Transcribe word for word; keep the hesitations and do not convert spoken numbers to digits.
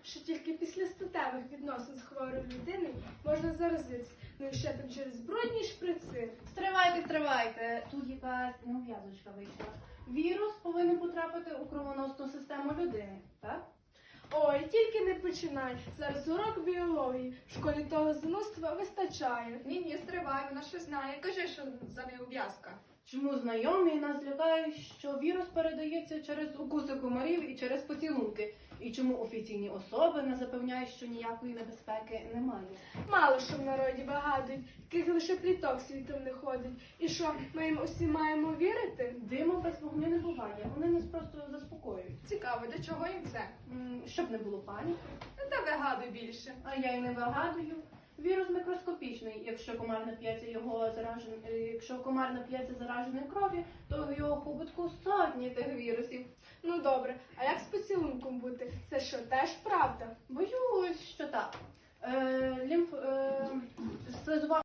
що тільки після статевих відносин з хворою людиною можна заразитися, ну і ще там через брудні шприци. Стривайте, стривайте. Тут якась неув'язочка вийшла. Вірус повинен потрапити у кровоносну систему людини, так? Ой, тільки не починай. Зараз урок біології. В школі того занудства вистачає. Ні-ні, стривай, вона щось знає. Кажи, що за неув'язка. Чому знайомі нас лякають, що вірус передається через укуси комарів і через поцілунки? І чому офіційні особи нас запевняють, що ніякої небезпеки немає? Мало що в народі вигадують, яких лише пліток світом не ходить. І що, ми їм усі маємо вірити? Диму без вогню не буває, вони нас просто заспокоюють. Цікаво, до чого їм це? М, Щоб не було паніки. Ну, та вигадуй більше. А я й не вигадую. Вірус мікроскопічний. Якщо комар нап'ється його заражен... е, якщо комар нап'ється зараженої крові, то в його хобутку сотні тих вірусів. Ну добре, а як з поцілунком бути? Це що, теж правда? Боюсь, що так. Е, лімф... Е, слизова